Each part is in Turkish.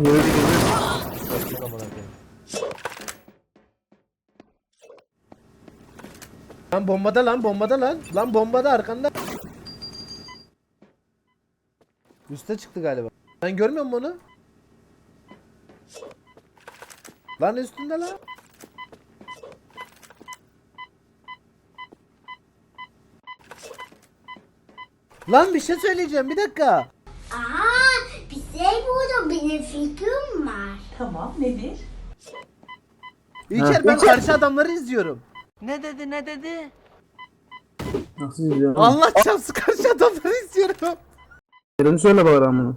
Yürü gidelim. Lan bombada lan bombada lan. Lan bombada arkanda. Üste çıktı galiba. Ben görmüyor musun onu? Lan üstünde lan. Lan bir şey söyleyeceğim bir dakika. Aa, bir şey buldum. Benim fikrim var. Tamam, nedir? İlker ben karşı adamları izliyorum. Ne dedi? Nasıl izliyorum? Allah çarpsın karşı adamları izliyorum. Yerini söyle bari amına.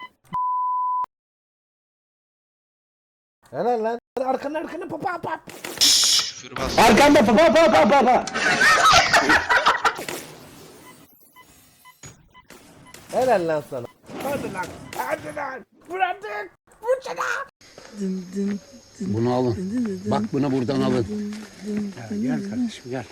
Helal lan. Arkana papa papa. Arkanda pa. Helal lan sana. Hadi lan. Hadi lan. Vur artık. Vur sana. Bunu alın. Bak bunu buradan alın. Gel kardeşim gel.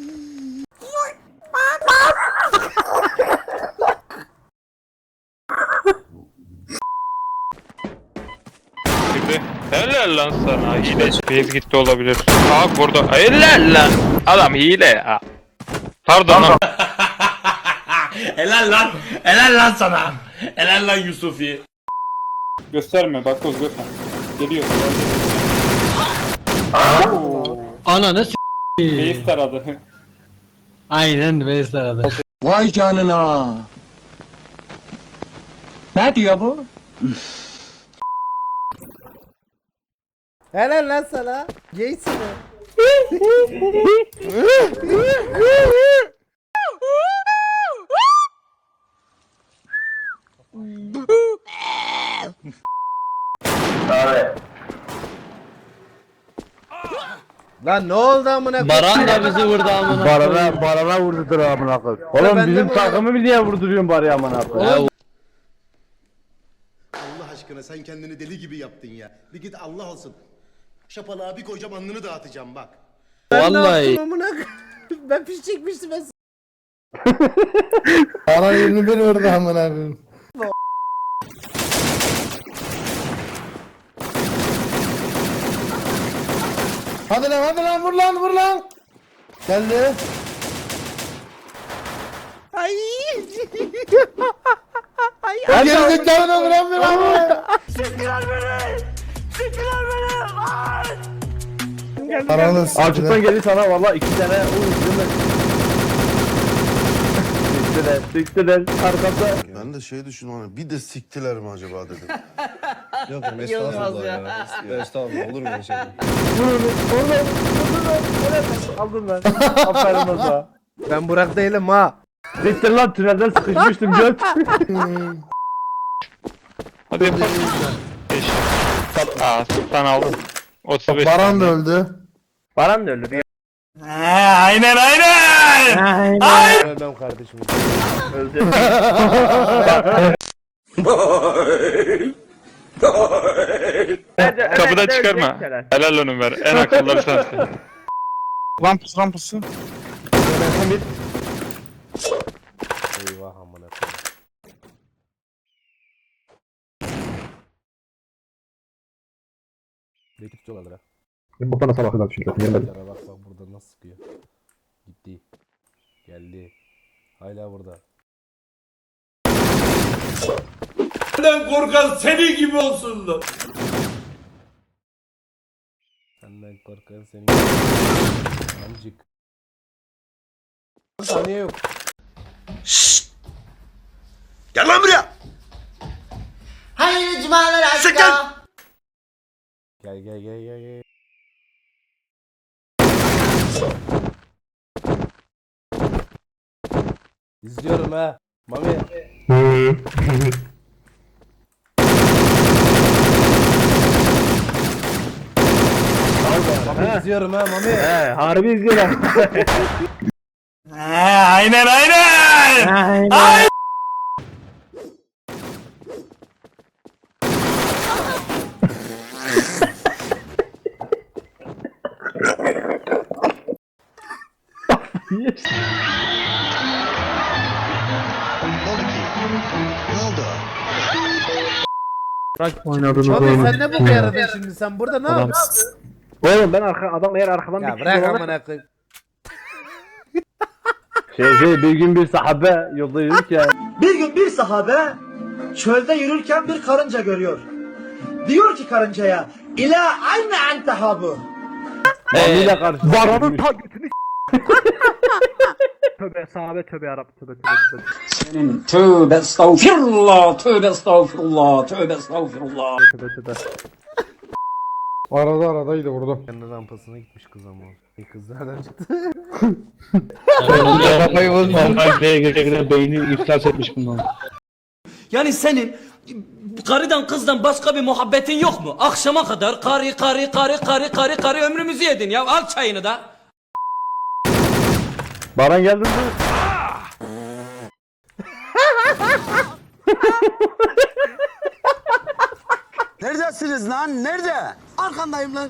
Şimdi helal lan sana hile. Base gitti olabilir. Bak burada helal lan. Adam hile ya. Pardon lan. Helal lan. Helal lan sana. Helal lan Yusufi. Gösterme bak göz göster. Geliyor. Ananı Base taradı. Aynen Veysel aradı. Vay canına. Ne diyor bu? Helal lan sana. Geysin mi? Lan ne oldu amına koyayım? Baran da bizi vurdu amına. Barana vurdudur amına koy. Ben Oğlum de bizim mi takımı mı niye vurduruyorsun bari amına koy? Oğlum, Allah aşkına sen kendini deli gibi yaptın ya. Bir git Allah olsun. Şapalığa bir koyacağım alnını dağıtacağım bak. ben ne Vallahi. yaptım amına koyayım? Ben piş çekmiştim ben. Bana 21 vurdu amına koyayım. Hadi lan vur lan. Geldi. Ay. Gerizekalı vuran bir lan. Açıktan geldi sana valla 2 tane Siktiler arkada. Ben de şey düşündüm hani bir de siktiler mi acaba dedim. Yok estağfurullah ya. Estağfurullah olur mu şey? Aldın lan. Aferin Oza. Ben Burak değilim ha. Siktir lan tünelden sıkışmıştım göt. Hadi yapalım. 5. Aa sultan aldım. 35. Baran da öldü. Baran da öldü. Aynen. Ölmem kardeşim. Öldü. Kapıdan çıkarma. Helal onu ver. En akılları sensin. Rampası. Eyvah amına koyayım. Belki tutuyorlar ha. Bu bana sabah kadar çünkü. Yara bak burada nasıl sıkıyor. Gitti. Geldi. Hala burada. Senden korkan senin gibi olsun da. Senden korkan senin. Amcık. Saniye yok. Gel lan buraya. Hayırlı cumalar aşkım. Gel. İzliyorum ha. Mami. Mami izliyorum ha Mami. Harbi izliyorum. Aynen. Ne oldu ki? Ne oldu? Abi sen ne bu yaradın şimdi sen burada ne yapıyorsun? Oğlum ben adam eğer arkadan Ya bir bırak kişi amına koyayım. bir gün bir sahabe yolda yürürken Bir gün bir sahabe çölde yürürken bir karınca görüyor. Diyor ki karıncaya, İlâ ayne entehabu. Mami'yle karşı. Varanın ta götünü Tövbe sahabe tövbe yarab tövbe. Tövbe estağfirullah, tövbe estağfirullah, tövbe estağfirullah. Aradaydı vurdum. Kendi rampasına gitmiş kız ama. Kız nereden çıktı? Kafayı bozma. Beyni iflas etmiş bundan. Yani senin karıdan kızdan başka bir muhabbetin yok mu? Akşama kadar karı ömrümüzü yedin ya. Al çayını da. Baran geldin mi? Neredesiniz lan? Nerede? Arkandayım lan.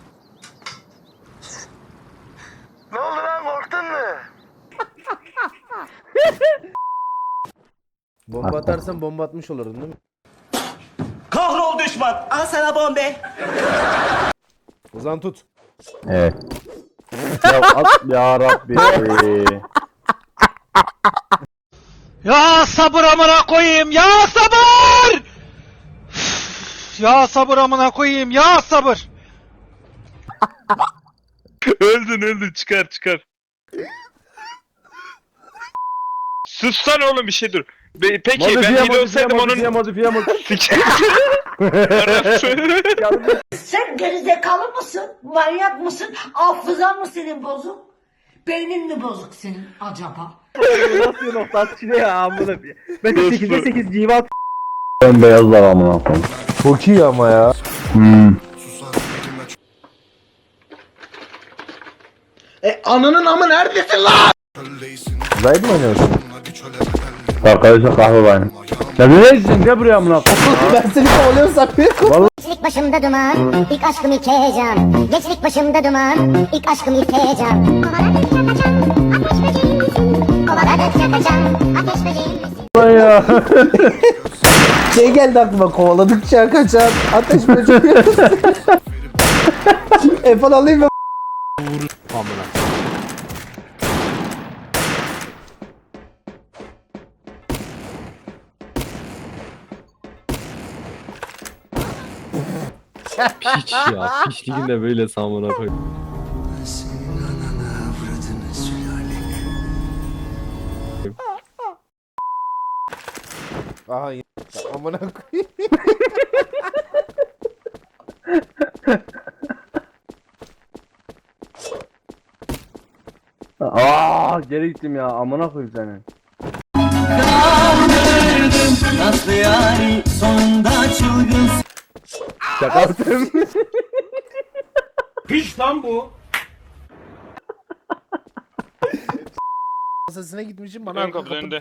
Ne oldu lan, korktun mu? Bomba atarsan bomba atmış olurdun değil mi? Kahrol düşman. Al sana bombe. O zaman tut. Evet. Ya at ya Rabbi. Ya sabır amına koyayım, ya sabır! Ya sabır amına koyayım, ya sabır! Öldün çıkar. Sussan oğlum bir şey dur. Peki ben hile olsaydım onun... Modifiye. Sen gerizekalı mısın? Manyak mısın? Hafızan mı senin bozuk? Beynin mi bozuk senin acaba? Nasıl nokta atışı ne ya amına bir. Ben de 8'de 8 civat. Ben beyazlar amına koyayım. Çok iyi ama ya. Ananın amı neredesin lan? Zayıf mı oynuyorsun? Arkadaşlar kahve benim. Ya neresin gel buraya amına koyayım. Ben seni kovalıyorsam Gençlik başımda duman, ilk aşkım ilk heyecan. Gençlik başımda duman, ilk aşkım ilk heyecan. Kovaladıkça kaçan, ateş böceğim misin? Ya. şey geldi aklıma, kovaladıkça kaçan ateş böceği. Efal alayım mı? Piç ya. Piçliğin de böyle samına koy. Aha yine. Amına koyayım. Geri gittim ya amına koyayım seni. Nasıl yani sonunda çılgın. Şaka yaptım. Piş lan bu. Masasına gitmişim bana Ön arka kapı önünde.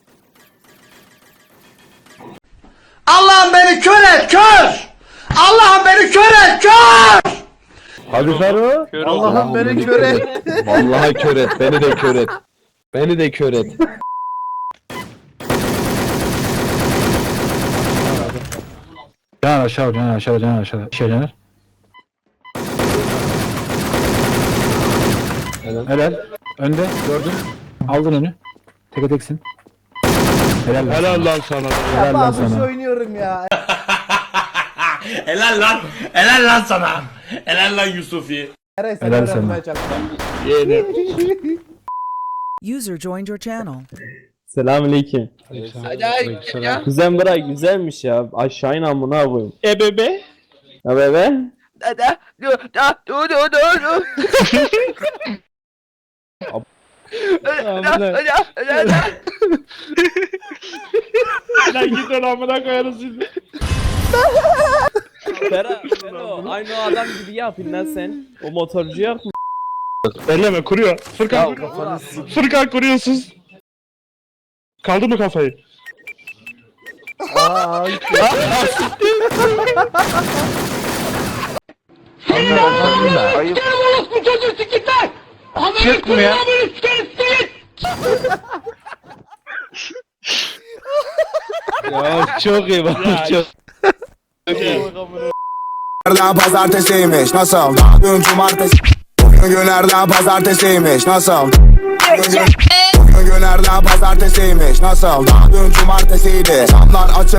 Allah'ım beni kör et, kör! Allah'ım beni kör et, kör! Hadi Ferro. Allah'ım beni kör et. Vallahi kör et. Beni de kör et. Beni de kör et. Can aşağı. Caner. Helal. Önde gördün. Aldın önü. Teke teksin. Helal lan sana. Ya babuş oynuyorum ya. Helal lan. Helal lan sana. Helal lan Yusufi. Eray sen Helal sana. öğrenmeye çalıştım. User joined your channel. Selamünaleyküm. Kuzen bırak güzelmiş ya. Aşağı in amına koyayım. Bebe. Ya bebe. Lan git lan amına koyarız sizi. Aynı o adam gibi yapın lan sen. O motorcu yok mu? Elleme kuruyor. Furkan, Furkan kuruyorsunuz. Kaldı mı kafayı? Çık buraya. Ya çok iyi bak. Çok iyi. amına. Günlerden pazartesiymiş nasıl? Dün cumartesi. Bugün günlerden pazartesiymiş nasıl? Bugün günlerden pazartesiymiş nasıl? Dün cumartesiydi. Camlar açık.